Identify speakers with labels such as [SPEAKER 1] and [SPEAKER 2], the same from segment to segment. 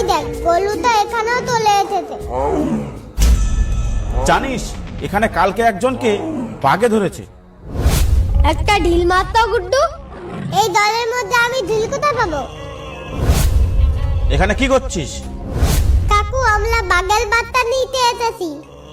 [SPEAKER 1] দেখ গলুটা এখানেও চলে এসেছে।
[SPEAKER 2] জানিস এখানে কালকে একজনকে বাঘে ধরেছে।
[SPEAKER 1] একটা ঢিল মারতো গুড্ডু। এই দলের মধ্যে আমি ঢিল কোথায় পাবো?
[SPEAKER 2] এখানে কি করছিস?
[SPEAKER 1] কাকু আমরা বাঘের বাচ্চা নিতে এসেছি।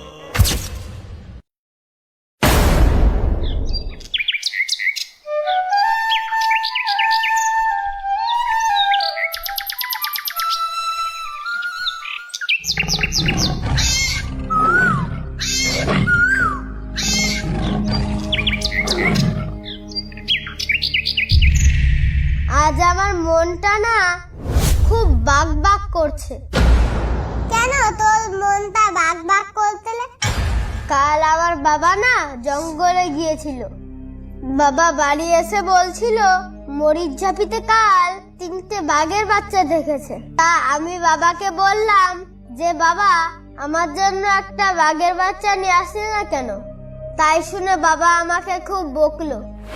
[SPEAKER 1] আজ আমার মনটা না খুব বাক বাক করছে। কেন তোর মনটা বাক বাক করছে? কাল আমার বাবা না জঙ্গলে গিয়েছিল। বাবা বাড়ি এসে বলছিল মরিচ ঝাপিতে কাল 3টে বাঘের বাচ্চা দেখেছে। তা আমি বাবাকে বললাম যে বাবা আমার জন্য একটা বাঘের বাচ্চা নিয়ে আসলে না কেন? তাই শুনে বাবা আমাকে খুব বকলো।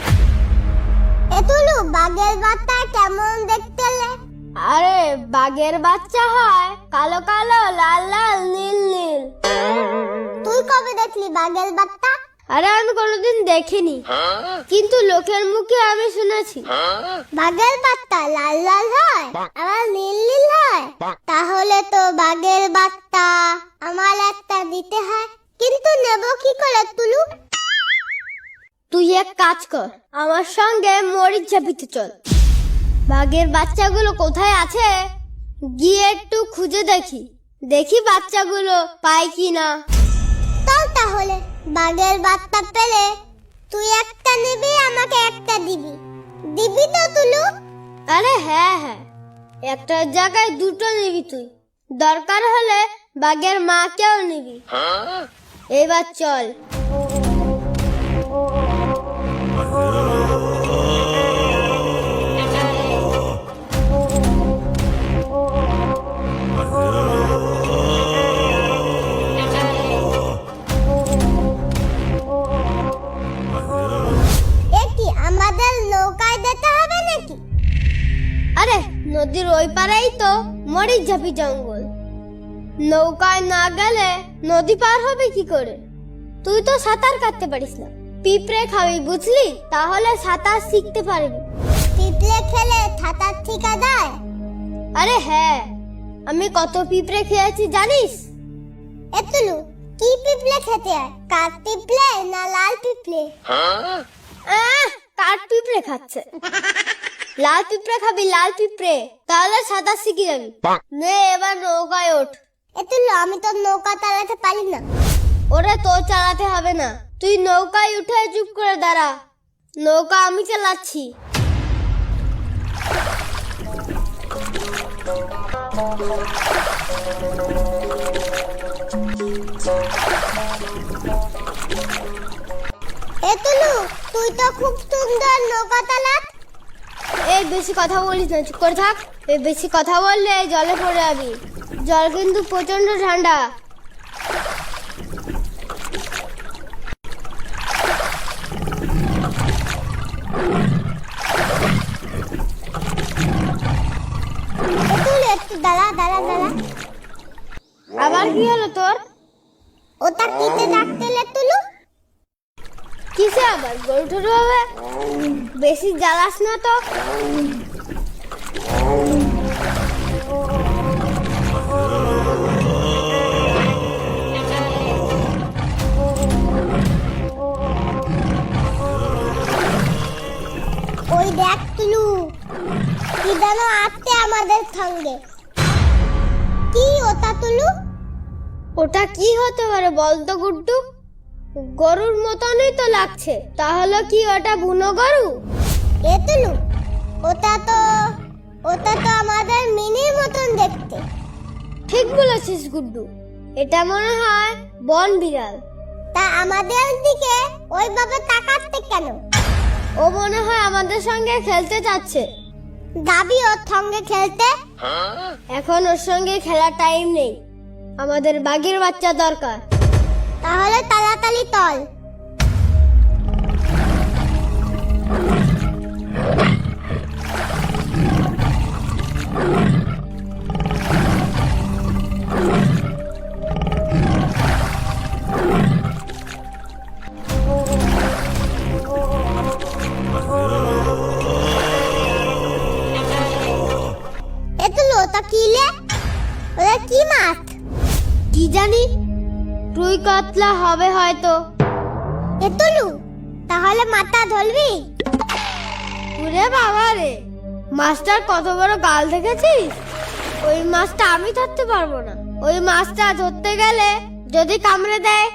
[SPEAKER 1] এতুলু বাঘের বাচ্চা কেমন দেখতে? আরে বাঘের বাচ্চা হয় কালো কালো লাল লাল নীল নীল। তুই কবে দেখলি বাঘের বাচ্চা? আরে আমি কোনোদিন দেখিনি, কিন্তু লোকের মুখে আমি শুনেছি বাঘের বাচ্চা লাল লাল হয় আবার নীল নীল হয়। তাহলে তো বাঘের বাচ্চা আমার একটা দিতে হয়, কিন্তু নেব কি করে তুলু? তুই এক কাজ কর, আমার সঙ্গে মরিচ ঝাপিতে চল। বাঘের বাচ্চাগুলো কোথায় আছে গিয়ে একটু খুঁজে দেখি বাচ্চাগুলো পাই কিনা। চল তাহলে, বাঘের বাচ্চা পেলে তুই একটা নিবি, আমাকে একটা দিবি। দিবি তো তুলু? আরে হ্যাঁ হ্যাঁ, একটা জায়গায় 2টো নিবি তুই। দরকার হলে বাঘের মাকেও নিবি। এবার চল। আমাদের নৌকায় যেতে হবে নাকি? আরে নদীর ওই পারেই তো মরিচ ঝাপি জঙ্গল। নৌকায় না গেলে নদী পার হবে কি করে? তুই তো সাঁতার কাটতে পারিস না। পিঁপড়ে খাবি বুঝলি, তাহলে সাঁতার শিখতে পারবি। পিঁপড়ে খেলে সাঁতার শিখা যায়? আরে হ্যাঁ, আমি কত পিঁপড়ে খেয়েছি জানিস? এতুলু কি পিঁপড়ে খেতে হয়? কাঠ পিঁপড়ে না লাল পিঁপড়ে? কাঠ পিঁপড়ে খাচ্ছে। লাল পিঁপড়ে খাবি, লাল পিঁপড়ে, তাহলে সাঁতার শিখে যাবি। নে এবার নৌকায় ওঠ। এতুলু আমি তো নৌকা চালাতে পারি না। ওরে তোর চালাতে হবে না, তুই নৌকায় উঠে চুপ করে দাঁড়া। নৌকা আমি চালাচ্ছি। এতুলু তুই তো খুব সুন্দর নৌকা চালাস। এই বেশি কথা বলিস না, চুপ করে থাক। এই বেশি কথা বললে জলে পড়ে যাবি। জল কিন্তু প্রচন্ড ঠান্ডা। একটু দাঁড়া দাঁড়া দাঁড়া। আবার কি হলো তোর? ওটা কিতে ডাকতে তুলু? কিসে আবার গরু টরু হবে? বেশি জ্বালাস না তো। ওই দেখ তুলু, কি যেন আসছে আমাদের সঙ্গে। কি ওটা তুলু? ওটা কি হতে পারে বলতো গুড্ডু? গরুর মতনই তো লাগছে, তাহলে কি ওটা বুনো গরু? তুলু ওটা তো আমাদের মিনির মতন দেখতে। ঠিক বলেছিস গুড্ডু, এটা মনে হয় বন বিড়াল। তা আমাদের দিকে ওইভাবে তাকাচ্ছে কেন? ও মনে হয় আমাদের সঙ্গে খেলতে যাচ্ছে। যাবি ওর সঙ্গে খেলতে? এখন ওর সঙ্গে খেলার টাইম নেই, আমাদের বাঘের বাচ্চা দরকার। তাহলে তাড়াতাড়ি চল। ওটা কিলে? ওটা কি মাছ? কি জানি, রুই কাতলা হবে হয়তো। এতলু, তাহলে মাথা ধরবি? ওরে বাবা রে, মাছটার কত বড় গাল দেখেছিস? ওই মাছটা আমি ধরতে পারবো না। ওই মাছটা ধরতে গেলে যদি কামড়ে দেয়।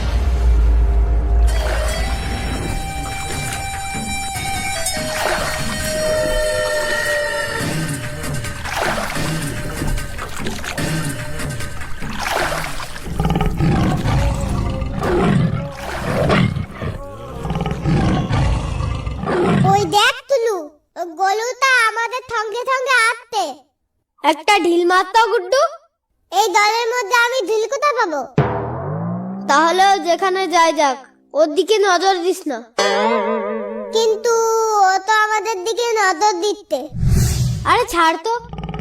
[SPEAKER 1] ওই দেখ তুলু, গলুটা আমাদের সঙ্গে সঙ্গে আসছে। একটা ঢিল মারতো গুড্ডু। এই দলের মধ্যে আমি ঢিল কোথায় পাবো? তাহলে যেখানে যাই যাক, ওর দিকে নজর দিস না। কিন্তু ও তো আমাদের দিকে নজর দিচ্ছে। আরে ছাড় তো।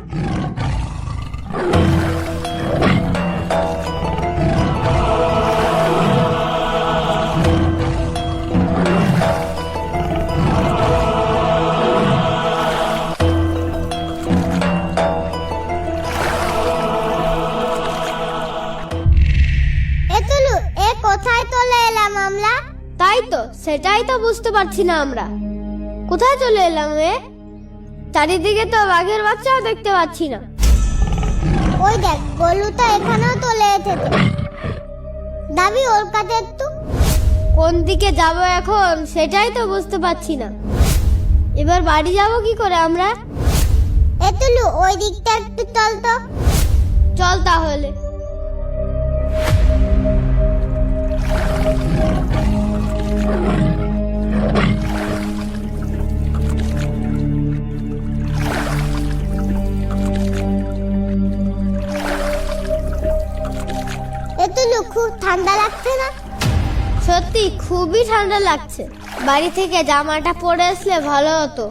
[SPEAKER 1] কোথায় চলে এলাম আমরা? তাই তো, সেটাই তো বুঝতে পারছি না আমরা। কোথায় চলে এলাম এ? চারিদিকে তো বাঘের বাচ্চাও দেখতে পাচ্ছি না। ওই দেখ, গলুটা এখানেও চলে এসেছে। দাবি ওর কাছে একটু। কোন দিকে যাব এখন সেটাই তো বুঝতে পারছি না। এবার বাড়ি যাব কি করে আমরা? এতলু, ওই দিকটা একটু চল তো। চল তাহলে। এতলু, খুব ঠান্ডা লাগছে না? সত্যি খুবই ঠান্ডা লাগছে। বাড়ি থেকে জামাটা পরে আসলে ভালো হতো।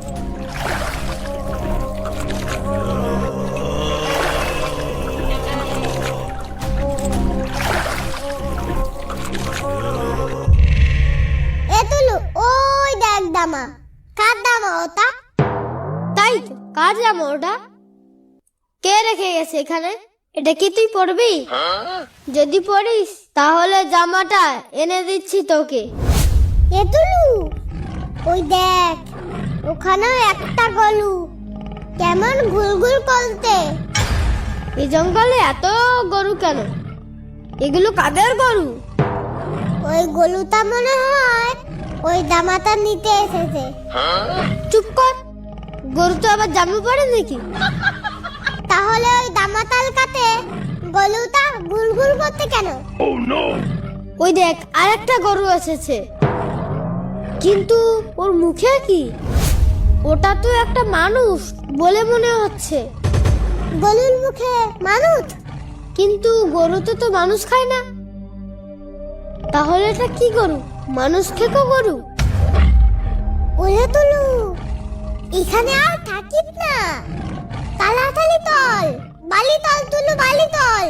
[SPEAKER 1] এতলু, ওই দেখ দামা। কার দামা ওটা? তাই তো, কার জামা ওটা? কে রেখে গেছে এখানে? এটা কি তুই পরবি? যদি পরিস তাহলে জামাটা এনে দিচ্ছি তোকে। এতলু, ওই দেখ, ওখানে একটা গলু কেমন ঘুরঘুর করতে। এই জঙ্গলে এত গরু কেন? এগুলো কাদের গরু? ওই গলুটা মনে হয় ওই জামাটা নিতে এসেছে। চুপ কর, গরু তো আবার জামা পরে নাকি? তাহলে ওই দামাতাল কাতে গলুটা গুলগুল করতে কেন? ওই দেখ, আরেকটা গরু এসেছে। কিন্তু ওর মুখে কি? ওটা তো একটা মানুষ বলে মনে হচ্ছে। গরুর মুখে মানুষ? কিন্তু গরুতে তো মানুষ খায় না। তাহলে এটা কি গরু? মানুষ খেকো গরু? ওরে তুলু, এখানে আর থাকিস না। তাড়াতাড়ি তল, বালি তল তুলু, বালি তল।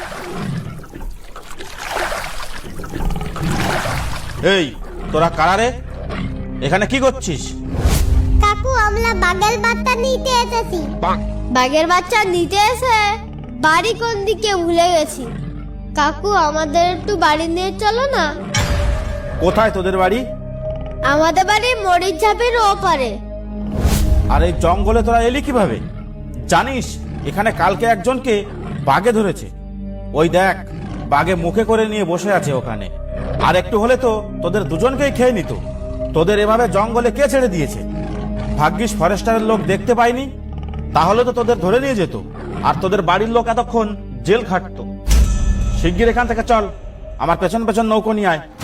[SPEAKER 2] এই, তোরা কারা রে? এখানে কি করছিস?
[SPEAKER 1] কাকু, আমরা বাঘের বাচ্চা নিতে এসেছি। বাঘের বাচ্চা নিতে এসে বাড়ি কোন দিকে ভুলে গেছি। কাকু, আমাদের একটু বাড়ি নিয়ে চলো না।
[SPEAKER 2] কোথায় তোদের বাড়ি?
[SPEAKER 1] আমাদের বাড়ি মরিচ ঝাপের ওপারে।
[SPEAKER 2] আর এই জঙ্গলে তোরা এলি কিভাবে? জানিস, এখানে কালকে একজনকে বাঘে ধরেছে। ওই দেখ, বাঘে মুখে করে নিয়ে বসে আছে ওখানে। আর একটু হলে তো তোদের দুজনকেই খেয়ে নিত। তোদের এভাবে জঙ্গলে কে ছেড়ে দিয়েছে? ভাগ্যিস ফরেস্টারের লোক দেখতে পায়নি, তাহলে তো তোদের ধরে নিয়ে যেত। আর তোদের বাড়ির লোক এতক্ষণ জেল খাটতো। শিগগির এখান থেকে চল, আমার পেছন পেছন নৌকো নিয়ে আয়।